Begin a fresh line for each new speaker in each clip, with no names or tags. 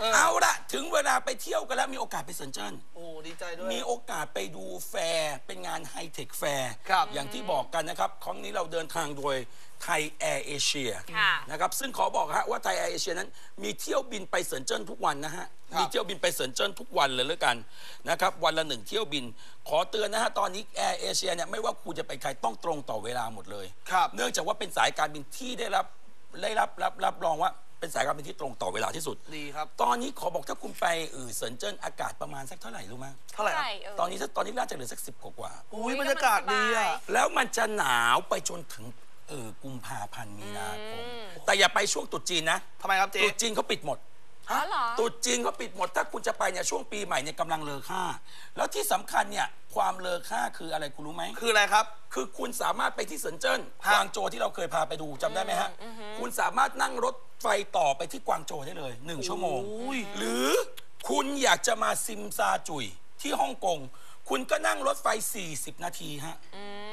เอาละถึงเวลาไปเที่ยวกันแล้วมีโอกาสไปเซินเจิ้น
โอ้ดีใจด้วย
มีโอกาสไปดูแฟร์เป็นงานไฮเทคแฟร์
ครับ
อย่างที่บอกกันนะครับครั้งนี้เราเดินทางโดยไทยแอร์เอเชียนะครับซึ่งขอบอกฮะว่าไทยแอร์เอเชียนั้นมีเที่ยวบินไปเซินเจิ้นทุกวันนะฮะมีเที่ยวบินไปเซินเจิ้นทุกวันเลยแล้วกันนะครับวันละ1 เที่ยวบินขอเตือนนะฮะตอนนี้แอร์เอเชียเนี่ยไม่ว่าคุณจะไปใครต้องตรงต่อเวลาหมดเลยเนื่องจากว่าเป็นสายการบินที่ได้รับรองว่าเป็นสายการบินที่ตรงต่อเวลาที่สุด
ดีครับ
ตอนนี้ขอบอกถ้าคุณไปเซินเจิ้นอากาศประมาณสักเท่าไหร่รู้ไหม
เท่าไหร่
ตอนนี้น่าจะเหลือสัก10 กว่า
อุ้ยบรรยากาศดีอ่ะ
แล้วมันจะหนาวไปจนถึงกุมภาพันธ์มีนาคมแต่อย่าไปช่วงตรุษจีนนะ
ทำไมครับเจ๊
ตรุษจีนเขาปิดหมดตรุษจีนเขาปิดหมดถ้าคุณจะไปเนี่ยช่วงปีใหม่เนี่ยกำลังเลอค่าแล้วที่สำคัญเนี่ยความเลอค่าคืออะไรคุณรู้ไหม
คืออะไรครับ
คือคุณสามารถไปที่เซินเจิ้นกวางโจวที่เราเคยพาไปดูจำได้ไหมฮะคุณสามารถนั่งรถไฟต่อไปที่กวางโจวได้เลย1 ชั่วโมงหรือคุณอยากจะมาซิมซาจุยที่ฮ่องกงคุณก็นั่งรถไฟ40 นาทีฮะ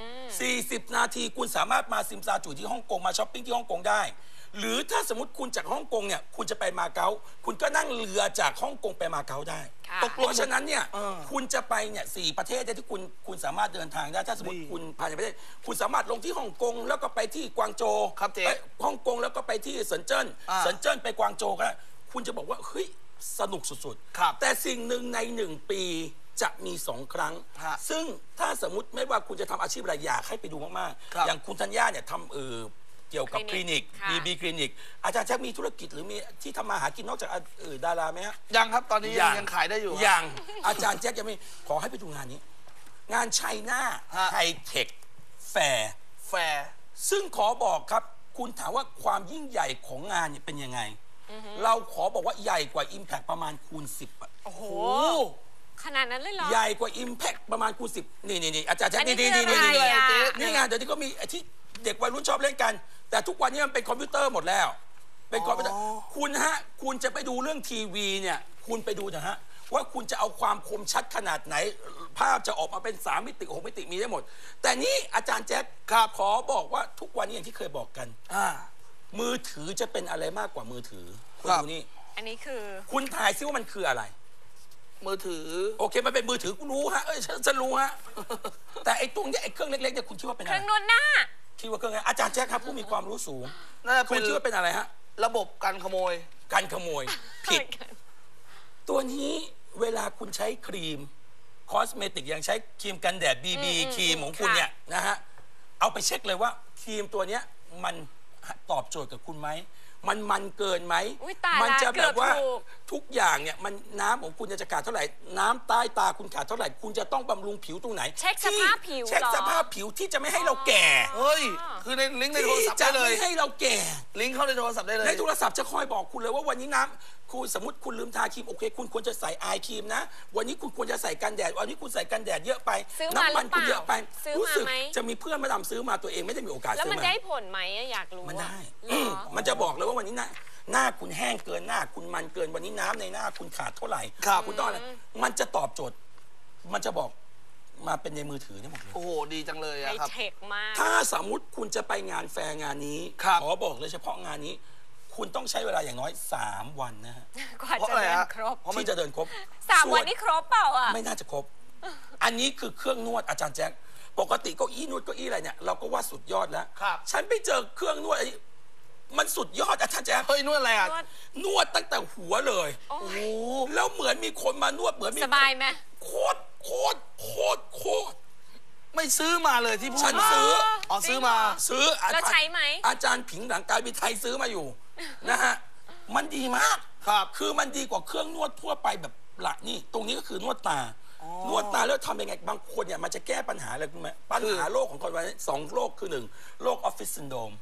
40 นาทีคุณสามารถมาซิมซาจุยที่ฮ่องกงมาช้อปปิ้งที่ฮ่องกงได้หรือถ้าสมมติคุณจากฮ่องกงเนี่ยคุณจะไปมาเก๊าคุณก็นั่งเรือจากฮ่องกงไปมาเก๊าได้เพราะฉะนั้นเนี่ยคุณจะไปเนี่ย4 ประเทศที่คุณสามารถเดินทางได้ถ้าสมมติคุณภายในประเทศคุณสามารถลงที่ฮ่องกงแล้วก็ไปที่กวางโจวฮ่องกงแล้วก็ไปที่เซินเจิ้นไปกวางโจวก็คุณจะบอกว่าเฮ้ยสนุกสุดๆแต่สิ่งหนึ่งใน1 ปีจะมี2 ครั้งซึ่งถ้าสมมติไม่ว่าคุณจะทำอาชีพอะไรอยากให้ไปดูมากๆอย่างคุณธัญญาเนี่ยทำเกี่ยวกับคลินิกบีคลินิกอาจารย์แจ็คมีธุรกิจหรือมีที่ทำมาหากินนอกจากดาราไหมฮะ
ยังครับตอนนี้ยังขายได้อยู่
ยังอาจารย์แจ็คยังไม่ขอให้ไปดูงานนี้งานไชน่าไฮเทคแฟร์ซึ่งขอบอกครับคุณถามว่าความยิ่งใหญ่ของงานเนี่ยเป็นยังไงเราขอบอกว่าใหญ่กว่า Impact ประมาณคูณ 10
โอ้โหขนาดนั้นเลยเหรอ
ใหญ่กว่า Impact ประมาณคูณ 10นี่อาจารย์แจ็คนี่งานเดี๋ยวนี้ก็มีที่เด็กวัยรุ่นชอบเล่นกันแต่ทุกวันนี้มันเป็นคอมพิวเตอร์หมดแล้วเป็นคอมพิวเตอร์คุณจะไปดูเรื่องทีวีเนี่ยคุณไปดูนะฮะว่าคุณจะเอาความคมชัดขนาดไหนภาพจะออกมาเป็น3 มิติ6 มิติมีได้หมดแต่นี่อาจารย์แจ็คขอบอกว่าทุกวันนี้อย่างที่เคยบอกกันมือถือจะเป็นอะไรมากกว่ามือถือคุณดูนี่
อันนี้คือ
คุณถ่ายซิว่ามันคืออะไร
มือถือ
โอเคมันเป็นมือถือกูรู้ฮะฉันรู้ฮะแต่ไอ้ตรงนี้ไอ้เครื่องเล็กๆเนี่ยคุณคิดว่าเป็นอะไร
เครื่องนวดหน้า
คิดว่าเครื่องไงอาจารย์แจ็คครับผู้มีความรู้สูงคุณคิดว่าเป็นอะไรฮะ
ระบบกันขโมย
ผิดตัวนี้เวลาคุณใช้ครีมคอสเมติกอย่างใช้ครีมกันแดดBBครีมของคุณเนี่ยนะฮะเอาไปเช็คเลยว่าครีมตัวเนี้ยมันตอบโจทย์กับคุณไหมมันเกินไหม
มัน
จะแบบว่าทุกอย่างเนี่ยมันน้ำของคุณจะขาดเท่าไหร่น้ำใต้ตาคุณขาดเท่าไหร่คุณจะต้องบำรุงผิวตรงไหน
เช็คสภาพผิว
ที่จะไม่ให้เราแก่
เฮ้ยคือในลิงก์ในโทรศัพท์ได้เลย
จะไม่ให้เราแก่
ลิงก์เข้าในโทรศัพท์ได้เลย
ในโทรศัพท์จะคอยบอกคุณเลยว่าวันนี้น้ำคุณสมมติคุณลืมทาครีมโอเคคุณควรจะใส่ไอครีมนะวันนี้คุณควรจะใส่กันแดดวันนี้คุณใส่กันแดดเยอะไปน้ำมันคุณเยอะไปรู้สึกจะมีเพื่อนมาดำซื้อมาตัวเองไม่ได้มีโอกาสซื้อมา
แล้วมันได้ผลไหมอยากรู้
มันได้มันจะบอกเลยว่าวันนี้หน้าคุณแห้งเกินหน้าคุณมันเกินวันนี้น้ำในหน้าคุณขาดเท่าไหร่คุณต้องอะไรมันจะตอบโจทย์มันจะบอกมาเป็นในมือถือได้หมดเลย
โอ้โหดีจังเลยครับ
ไฮเทคมาก
ถ้าสมมุติคุณจะไปงานแฟร์งานนี้ขอบอกเลยเฉพาะงานนี้คุณต้องใช้เวลาอย่างน้อย3 วันนะฮะ
กว่าจะเดินครบ
ที่จะเดินครบ
3 วันนี่ครบเปล่าอ่ะ
ไม่น่าจะครบอันนี้คือเครื่องนวดอาจารย์แจ็คปกติเก้าอี้นวดเก้าอี้อะไรเนี่ยเราก็ว่าสุดยอดแล้วฉันไปเจอเครื่องนวดมันสุดยอดอาจารย์แจ๊ค
เฮ้ยนวดอะไรอ่ะ
นวดตั้งแต่หัวเลยโอ้แล้วเหมือนมีคนมานวดเหมือนมี
สบายไหม
โคตร
ไม่ซื้อมาเลยที่พูด
ฉันซื้อ
ซื้อมา
แล้วใช้ไหม
อาจารย์ผิงหลังการบินไทยซื้อมาอยู่นะฮะมันดีมากคือมันดีกว่าเครื่องนวดทั่วไปแบบหลักนี่ตรงนี้ก็คือนวดตานวดตาแล้วทำยังไงบางคนเนี่ยมันจะแก้ปัญหาอะไรรู้ไหมปัญหาโรคของคนวันนี้2 โรคคือ1 โรคออฟฟิศซินโดรม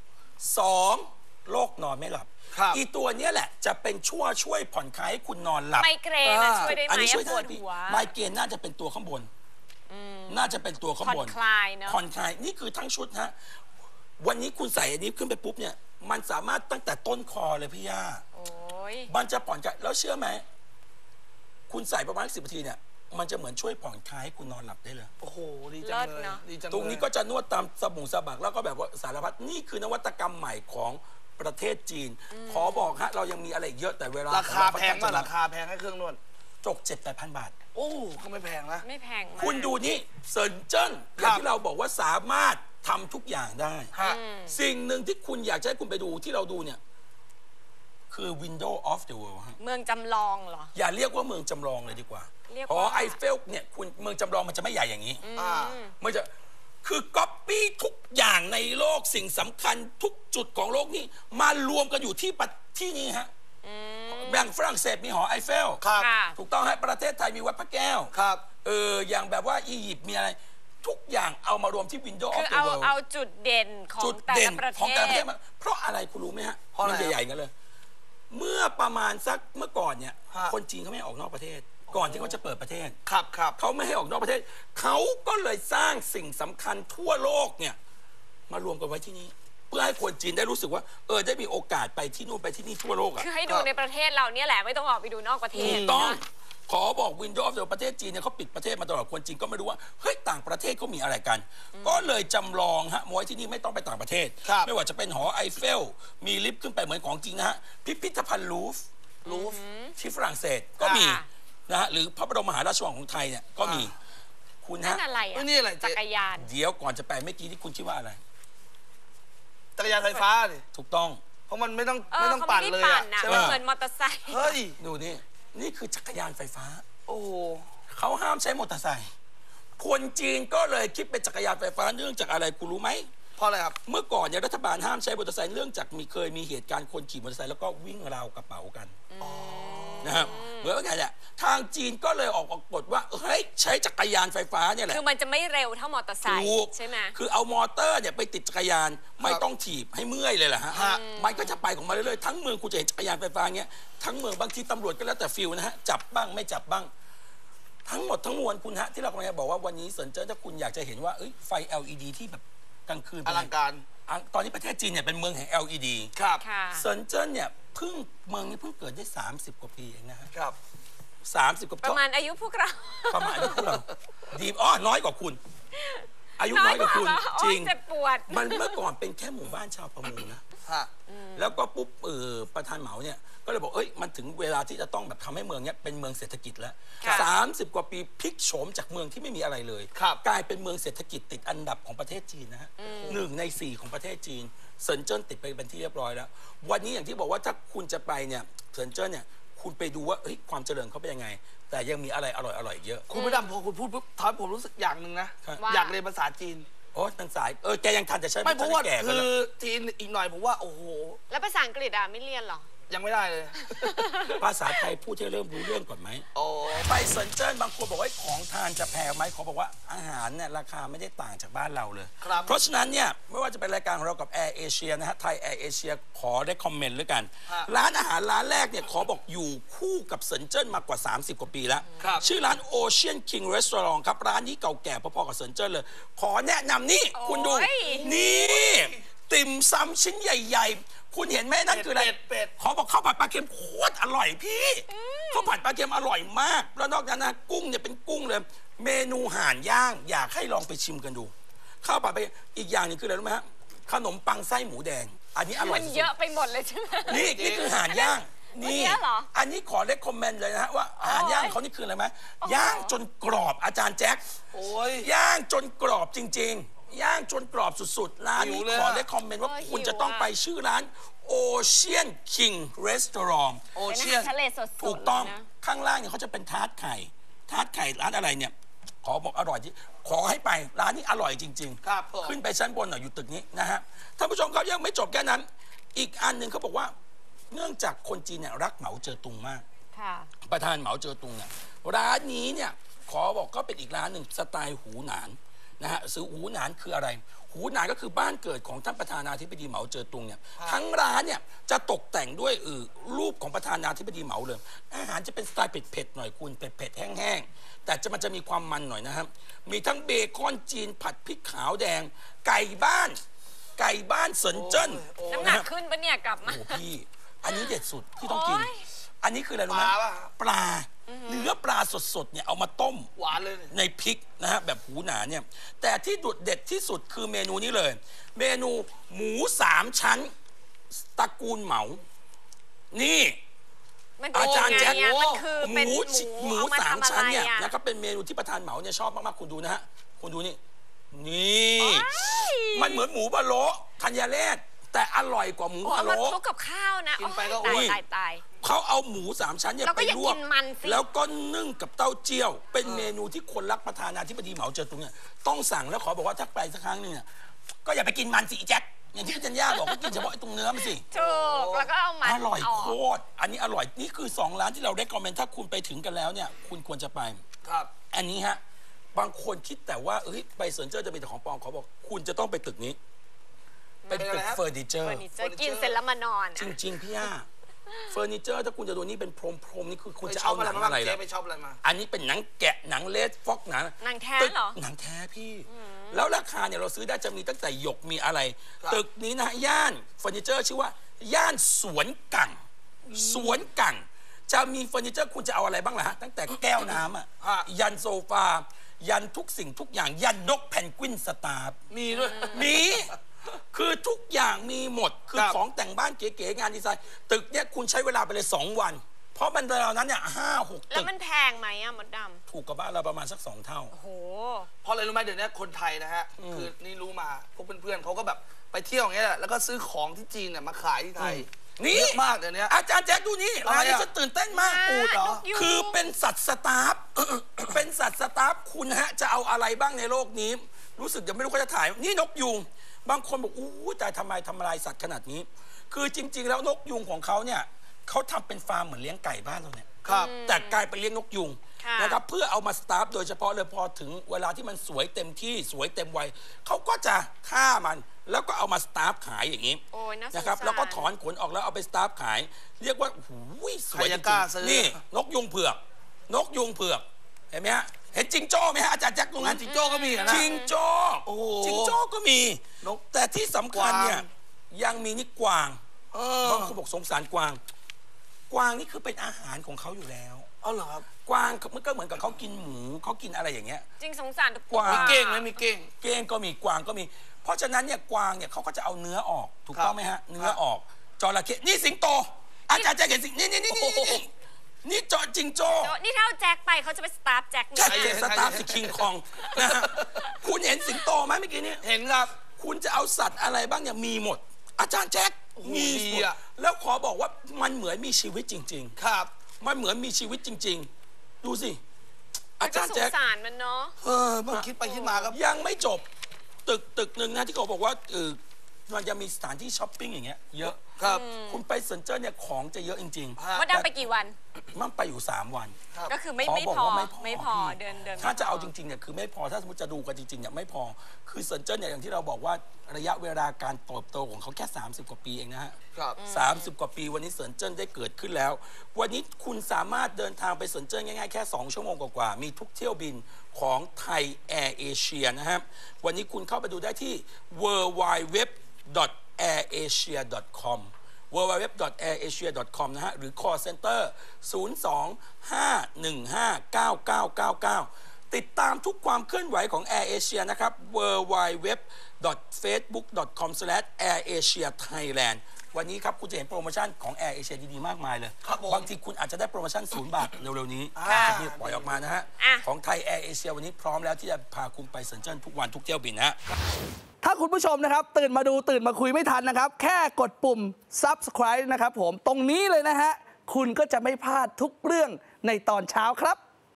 2 โรคนอนไม่หลับอีตัวนี้แหละจะเป็นช่วยผ่อนคลายให้คุณนอนหลับ
ไมเกรนช่วยได้ไหมปวดหัว
ไมเกรนน่าจะเป็นตัวข้างบนน่าจะเป็นตัวข้างบน
ผ่อนคลายเนาะ
ผ่อนคลายนี่คือทั้งชุดฮะวันนี้คุณใส่อันนี้ขึ้นไปปุ๊บเนี่ยมันสามารถตั้งแต่ต้นคอเลยพี่ย่ามันจะผ่อนคลายแล้วเชื่อไหมคุณใส่ประมาณ10 นาทีเนี่ยมันจะเหมือนช่วยผ่อนคลายให้คุณนอนหลับได้เลย
โอ้โหดีจังเลย
ตรงนี้ก็จะนวดตามสะบักแล้วก็แบบว่าสารพัดนี่คือนวัตกรรมใหม่ของประเทศจีน ขอบอกฮะเรายังมีอะไรอีกเยอะแต่เวลา
ราคาแพง
ม
มากราคาแพงให้เครื่องนวด
จก 7-8,000 บาท
โอ้ก็ไม่แพงนะ
ไม่แพงมาก
คุณดูนี่เซินเจิ้นอย่างที่เราบอกว่าสามารถทำทุกอย่างได้
ฮะ
สิ่งหนึ่งที่คุณอยากจะให้คุณไปดูที่เราดูเนี่ยคือ Window of the World ฮะ
เมืองจำลองเหรอ
อย่าเรียกว่าเมืองจำลองเลยดีกว่า
เรียก
หอ
ว่า
ไอเฟลเนี่ยคุณเมืองจำลองมันจะไม่ใหญ่อย่างนี้
อ่า
มันจะคือก๊อปปี้ทุกอย่างในโลกสิ่งสำคัญทุกจุดของโลกนี้มารวมกันอยู่ที่นี่ฮะแบ่งฝรั่งเศสมีหอไอเฟล
ครับ
ค่ะ
ถูกต้องฮะประเทศไทยมีวัดพระแก้ว
ครับ
อย่างแบบว่าอียิปต์มีอะไร ทุกอย่างเอามารวมที่ Window
คื
of
อ
the
เอา
World
เอาจุดเด่นของ
จุด
แต่
เด่
ละ
น
ประ
ของแต่ละประ
เท
เท
ศ
ศมาเพราะอะไรคุณรู้ไหมฮะ
เพราะอะไร
มันใหญ่ๆกันเลย เมื่อประมาณสักเมื่อก่อนเนี่ย
ฮะ
คนจีนเขาไม่ให้ออกนอกประเทศ ก่อนที่เขาจะเปิดประเทศ
ครับครับ
เขาไม่ให้ออกนอกประเทศ เขาก็เลยสร้างสิ่งสำคัญทั่วโลกเนี่ยมารวมกันไว้ที่นี่ เพื่อให้คนจีนได้รู้สึกว่าได้มีโอกาสไปที่นู่นไปที่นี่ทั่วโลกอ่ะ
คือให้ดูในประเทศเราเนี่ยแหละไม่ต้องออกไปดูนอกประเท
ถู
ศ
กต้อง
นะ
ขอบอกวินโดว์ในประเทศจีนเนี่ยเขาปิดประเทศมาตลอดคนจีนก็ไม่รู้ว่าเฮ้ยต่างประเทศเขามีอะไรกัน ก็เลยจำลองฮะมวยที่นี่ไม่ต้องไปต่างประเทศ
ครับ
ไม่ว่าจะเป็นหอไอเฟล มีลิฟต์ขึ้นไปเหมือนของจริงนะฮะพิพิธภัณฑ์ลูฟร์
รูฟ
ที่ฝรั่งเศสก็มี
ค่ะ
นะฮะหรือพระบรมมหาราชวังของไทยเนี่ยก็มีคุณ
นั่
ฮะ
นอะไร
เอ้
อ่ะ
ยนี่อะไรเจ๊
จักรยาน
เดี๋ยวก่อนจะไปเมื่อกี้ที่คุณคิดว่าอะไร
จักรยานไฟฟ้าดิ
ถูกต้อง
เพราะมันไม่ต้อง
เขา
ปั่น
ไม่
เล
ได้
ย
ปั่
อะ
นนะ
ใช่ไหม
มันเหมือนมอเตอร์ไซค์
เฮ้ย
ดูนี่นี่คือจักรยานไฟฟ้า
โอ้โห
เขาห้ามใช้มอเตอร์ไซค์คนจีนก็เลยคิดเป็นจักรยานไฟฟ้าเนื่องจากอะไรคุณรู้ไหม
เพราะอะไรครับ
เมื่อก่อนเนี่ยรัฐบาลห้ามใช้มอเตอร์ไซค์เนื่องจากเคยมีเหตุการณ์คนขี่มอเตอร์ไซค์แล้วก็วิ่งราวกระเป๋ากันนะครับเหมือนว่าไงเนี่ยทางจีนก็เลยออกกฎว่าเฮ้ยใช้จักรยานไฟฟ้าเนี่ยแหละ
คือมันจะไม่เร็วเท่ามอเตอร์ไซค์
ถูก
ใช่ไหม
คือเอามอเตอร์เนี่ยไปติดจักรยานไม่ต้องถีบให้เมื่อยเลยแหละฮะ
ฮะ
มันก็จะไปของมันเรื่อยๆทั้งเมืองคุณจะเห็นจักรยานไฟฟ้าเงี้ยทั้งเมืองบางทีตำรวจก็แล้วแต่ฟิลนะฮะจับบ้างไม่จับบ้าง ทั้งหมดทั้งมวลคุณฮะที่เรากำลังจะบอกว่าวันนี้เซินเจิ้นถ้าคุณอยากจะเห็นว่าไฟ LED ที่แบบกลางคืน
อ
เป็นไง
ลังการ
ตอนนี้ประเทศจีนเนี่ยเป็นเมืองแห่ง LED
ครับ
ค่ะ
เซินเจิ้นเนี่ยเมืองนี้เพิ่งเกิดได้ 30 กว่าปีเองนะฮะ
ครับ
30 กว่า
ประมาณอายุพวกเรา
ประมาณนี้พวกเราดีน้อยกว่าคุณ อายุน้อยกว่าคุณ
น้อยกว่าเหรอ
จริง
โอ๊ยเจ็บปวด
มันเมื่อก่อนเป็นแค่หมู่บ้านชาวประมงนะ
ฮะ
แล้วก็ปุ๊บประธานเหมาเนี่ยก็เลยบอกมันถึงเวลาที่จะต้องแบบทำให้เมืองเนี้ยเป็นเมืองเศรษฐกิจแล้ว
ค่ะ
30 กว่าปีพลิกโฉมจากเมืองที่ไม่มีอะไรเลย
ครับ
กลายเป็นเมืองเศรษฐกิจติดอันดับของประเทศจีนนะฮะ1 ใน 4ของประเทศจีนเซินเจิ้นติดไปเป็นที่เรียบร้อยแล้ว วันนี้อย่างที่บอกว่าถ้าคุณจะไปเนี่ยเซินเจิ้นเนี่ยคุณไปดูว่าความเจริญเขาเป็นยังไง แต่ยังมีอะไรอร่อยๆอีกเยอะ
คุณไม่ดำพอคุณพูดปุ๊บทำให้ผมรู้สึกอย่างหนึ่งนะ
ว่า
อยากเรียนภาษาจีน
โอ้ทางสายแกยังทันจะใช้
ไม่เพราะว่า
แก่กัน
คื
แล้
อ
ว
จีนอีกหน่อยผมว่าโอ้โห
แล้วภาษาอังกฤษอ่ะไม่เรียนเหรอ
ยังไม่ได้เลย
ภาษาไทยพูดให้เริ่มรู้เรื่องก่อนไหม
โอ้
ไปเซินเจิ้นบางคนบอกว่าของทานจะแพงไหมขอบอกว่าอาหารเนี่ยราคาไม่ได้ต่างจากบ้านเราเลย
ครับ
เพราะฉะนั้นเนี่ยไม่ว่าจะเป็นรายการของเรากับ Air Asia นะฮะไทย Air Asia ขอได้คอมเมนต์ด้วยกัน
ฮะ
ร้านอาหารร้านแรกเนี่ยขอบอกอยู่คู่กับเซินเจิ้นมากว่า 30 กว่าปีแล้ว
ครับ
ชื่อร้าน Ocean King Restaurant ครับ ร้านนี้เก่าแก่พอๆกับเซินเจิ้นเลย ขอแนะนำนี่คุณดู
โอ้ย
นี่ติ่มซำชิ้นใหญ่ ๆ คุณเห็นไหมนั่นคืออะไร
เป็ด
ขอบอกข้าวผัดปลาเค็มโคตรอร่อยพี่ข้าวผัดปลาเค็มอร่อยมาก แล้วนอกจากนั้นนะกุ้งเนี่ยเป็นกุ้งเลย เมนูห่านย่างอยากให้ลองไปชิมกันดู ข้าวผัดไปอีกอย่างหนึงคืออะไรรู้ไหมฮะขนมปังไส้หมูแดง อันนี้อร่อ
มั
ย
น
สุด
เยอะไปหมดเลยใช่ไหม
ๆนี่คือห่านย่าง
อันเนี้ยเหรอ
อันนี้ขอเลคคอมเมนต์เลยนะฮะว่าห่านย่างเขานี่คืออะไรไหมย่างจนกรอบอาจารย์แจ็ค
โอ้ย
ย่างจนกรอบจริง ๆ ย่างจนกรอบสุดๆ ร้านนี้
หิวเลย
ขอ
อะ
ได้คอมเมนต์ว่า
เออ
คุณ
หิว
จะต้อง
อะ
ไปชื่อร้าน Ocean King Restaurant
โอ
เป็นอา
เชีย
หาน รทะเลสดๆ
ถูกต้อง
เลยนะ
ข้างล่างเนี่ยเขาจะเป็นทาร์ตไข่ร้านอะไรเนี่ย ขอบอกอร่อยที่ขอให้ไปร้านนี้อร่อยจริง
ครับผม
ขึ้นไปชั้นบนหน่อยอยู่ตึกนี้นะฮะท่านผู้ชมครับยังไม่จบแค่นั้น อีกอันหนึ่งเขาบอกว่า เนื่องจากคนจีนเนี่ยรักเหมาเจ๋อตุงมาก
ค่ะ
ประธานเหมาเจ๋อตุงเนี่ยร้านนี้เนี่ยขอบอกก็เป็นอีกร้านหนึ่งสไตล์หูหนานนะฮะซื้อหูหนานคืออะไร หูหนานก็คือบ้านเกิดของท่านประธานาธิบดีเหมาเจ๋อตุงเนี่ยทั้งร้านเนี่ยจะตกแต่งด้วยรูปของประธานาธิบดีเหมาเลย อาหารจะเป็นสไตล์เผ็ดๆหน่อยคุณเผ็ดๆแห้งๆแต่มันจะมีความมันหน่อยนะครับมีทั้งเบคอนจีนผัดพริกขาวแดง ไก่บ้านเซินเจิ้น
น้ำหนักขึ้นปะเนี่ยกลับมา
โอ้โหพี่ อันนี้เด็ดสุดที่ต้องกิน
โอ้ย
อันนี้คืออะไรรู้ไหม
ปลาป่ะ
ปลาเนื้อปลาสดๆเนี่ยเอามาต้ม
หวานเลย
ในพริกนะฮะแบบหูหนาเนี่ยแต่ที่โดดเด็ดที่สุดคือเมนูนี้เลย เมนูหมู3 ชั้นตระกูลเหมา นี่
มัน
อาจารย์แจ็ค
เป็นยังไงอะมันคือ
ห
เป็น
มู
หมู
หมู
เอามา
สาม
ทำอะ
ชั้น
ไร
เนี่ย
อะ
นะครับเป็นเมนูที่ประธานเหมาเนี่ยชอบมากๆคุณดูนะฮะคุณดูนี่นี่ มันเหมือนหมูบะโละธัญเรศแต่อร่อยกว่าหมู
เอา
บะ
มา
โละ
คลุกกับข้าวนะ
กินไปก็
โอ้ย
อ้วน
ตาย
เขาเอาหมูสามชั้นเนี่ย
แล้วก็
ไป
อย่า
ลวก
กินมันสิ
แล้วก็นึ่งกับเต้าเจี้ยว เป็นเมนูที่คนรักประธานาธิบดีเหมาเจ๋อตุงเนี่ยต้องสั่งแล้วขอบอกว่าถ้าไปสักครั้งหนึงเนี่ยก็อย่าไปกินมันสิอีแจ็คอย่างที่พี่จันย่าบอกก็กินเฉพาะไอ้ตรงเนื้อมันสิ
ถูกแล้วก็เอามัน
อร่อย
ก
โคตรอันนี้อร่อยนี่คือ2 ร้านที่เราได้คอมเมนต์ถ้าคุณไปถึงกันแล้วเนี่ยคุณควรจะไป
ครับ
อันนี้ฮะบางคนคิดแต่ว่าเอ้ยไปเซินเจอร์จะมีแต่ของปลอมเขาบอกคุณจะต้องไปตึกนี้ เป็นตึกเฟอร์นิเจอ
เฟอ
ร์
ร์นิเจอร์กินเสร็จแล้วมานอน
จริงๆพี่ย่าเฟอร์นิเจอร์ถ้าคุณจะดูนี่เป็นพรมๆนี่คือคุณ
ไป
จะ
ชอ
เอา
บอะไร
หนัง
มาบ้าง
อะไร
เจ๊
ล่ะ
ไปชอบอะไรมา
อันนี้เป็นหนังแกะหนังเลสฟ็อกหนัง
หนังแท้
ตึก
เหรอ
หนังแท้พี่ แล้วราคาเนี่ยเราซื้อได้จะมีตั้งแต่หยกมีอะไร
ครับ
ตึกนี้นะย่านเฟอร์นิเจอร์ชื่อว่า ย่านสวนกังสวนกังจะมีเฟอร์นิเจอร์คุณจะเอาอะไรบ้างล่ะฮะตั้งแต่แก้วน้ำอ่ะยันโซฟายันทุกสิ่งทุกอย่างยันนกแพนกวินสตาร์
มีด้วย
มีคือทุกอย่างมีหมดคือ
ครับ
ของแต่งบ้านเก๋ๆงานดีไซน์ตึกเนี่ยคุณใช้เวลาไปเลย2 วัน เพราะมันเวลานั้นเนี่ย5-6
แล้
ตึ
ว
ก
มันแพงไหมอะมดดำ
ถูกกับบ้านเราประมาณสัก2 เท่า
โอ้โห
เพราะอะไรรู้ไหมเดี๋ยวนี้คนไทยนะฮะ คือนี่รู้มาพวกเพื่อนๆเขาก็แบบไปเที่ยวอย่างเงี้ยแหละแล้วก็ซื้อของที่จีนเนี่ยมาขายที่ไทย
นี่
เยอะมากเดี๋ยวนี้
อาจารย์แจ็คดูนี่
อะไร
ร้านนี้
อะ
ฉันตื่นเต้นมาก
อูฐเหรอ
นกยูง
คือเป็นสัตว์สตาฟ เป็นสัตว์สตาฟคุณฮะจะเอาอะไรบ้างในโลกนี้ รู้สึกยังไม่รู้เขาจะถ่าย นี่นกยูงบางคนบอกอู้แต่ทำไมทำลายสัตว์ขนาดนี้ คือจริง ๆ แล้วนกยูงของเขาเนี่ยเขาทำเป็นฟาร์มเหมือนเลี้ยงไก่บ้านเราเนี่ย
ครับ
แต่กลายเป็นเลี้ยงนกยุง
ค่ะ
นะครับเพื่อเอามาสตาฟโดยเฉพาะเลยพอถึงเวลาที่มันสวยเต็มที่สวยเต็มวัยเขาก็จะฆ่ามันแล้วก็เอามาสตาฟขายอย่างนี้
โอ้ยน่าสงสาร
นะครับแล้วก็ถอนขนออกแล้วเอาไปสตาฟขาย เรียกว่าหูยสวย
ใคร
จ
จะ
ริ
กล้าง ซื้อ
ๆนี่นกยุงเผือก นกยุงเผือกเห็นไหมฮะเห็นจิงโจ้ไหมฮะอาจารย์แจ็คตรงนั้น
จิงโจ้ก็มีเหรอนะ
จิงโจ้
โอ้โห
จิงโจ้ก็มี
นก
แต่ที่สำคัญเนี่ย
กวาง
ยังมีนี่กวาง
เออบ
างคนบอกสงสารกวาง กวางนี่คือเป็นอาหารของเขาอยู่แล้ว
เอาเหรอครับ
กวางมันก็เหมือนกับเขากินหมูเขากินอะไรอย่างเงี้ย
จริงสงสารทุก
กวาง
มีเก้งไหมมีเก้ง
เก้งก็มีกวางก็มี เพราะฉะนั้นเนี่ยกวางเนี่ยเขาก็จะเอาเนื้อออกถูกต้องไหมฮะเนื้อออกจระเข้นี่สิงโต อาจารย์จะเห็นสิงนี่นี่จอจิงโจ้
นี่ถ้าเอาแจ็คไปเขาจะไปสตาร์ฟแจ็ค
ใช่
เนี่ย
สตาร์ฟสิคิงคองนะฮะคุณเห็นสิงโตไหมเมื่อกี้นี้
เห็นครับ
คุณจะเอาสัตว์อะไรบ้างเนี่ยมีหมด อาจารย์แจ็คมี
ดี
หมด
อะ
แล้วขอบอกว่ามันเหมือนมีชีวิตจริง
ครับ
ๆ มันเหมือนมีชีวิตจริง ๆ ดูสิ อา
ก็
จารย์
สง
แจ็ค
สารมันเนาะ
เมื่อคิดไปคิดมาครับ
ยังไม่จบตึกหนึ่งนะที่เขาบอกว่ามันจะมีสถานที่ช้อปปิ้งอย่างเงี้ยเยอะ
ครับ
คุณไปเซินเจิ้นเนี่ยของจะเยอะจริง
ฮะ
มดดำไปกี่วัน
ๆมันไปอยู่ 3 วัน
ครับ
ก็คือไม่
ขอ
ไม่
บอก
พอ
ว่า
ไม่พอ
พี่
เดิน
ถ้าจะ
ไม่พ
เอาจริงๆเนี่ยคือไม่พอถ้าสมมติจะดูกันจริงๆเนี่ยไม่พอคือเซินเจิ้นเนี่ยอย่างที่เราบอกว่าระยะเวลาการเติบโตของเขาแค่ 30 กว่าปีเองนะฮะ
ครับ
30 กว่าปีวันนี้เซินเจิ้นได้เกิดขึ้นแล้ว วันนี้คุณสามารถเดินทางไปเซินเจิ้นง่ายๆแค่ 2 ชั่วโมงกว่าๆมีทุกเที่ยวบินของไทยแอร์เอเชียนะครับวันนี้คุณเข้าไปดูได้ที่ www.airasia.com www.airasia.com นะฮะหรือ call center 02-515-9999 ติดตามทุกความเคลื่อนไหวของ Air Asia นะครับ www.facebook.com/airasia-thailand วันนี้ครับคุณจะเห็นโปรโมชั่นของ Air Asia ดีๆ มากมายเลย
ครับผม
บางทีคุณอาจจะได้โปรโมชั่น0 บาทเร็วๆนี้
ค่ะ
จะมีปล่อยออกมานะฮะ
อ่ะ
ของไทย Air Asia วันนี้พร้อมแล้วที่จะพาคุณไปเซินเจิ้นทุกวันทุกเที่ยวบินนะฮะ
ถ้าคุณผู้ชมนะครับ ตื่นมาดูตื่นมาคุยไม่ทันนะครับ แค่กดปุ่ม subscribe นะครับผมตรงนี้เลยนะฮะ คุณก็จะไม่พลาดทุกเรื่องในตอนเช้าครับ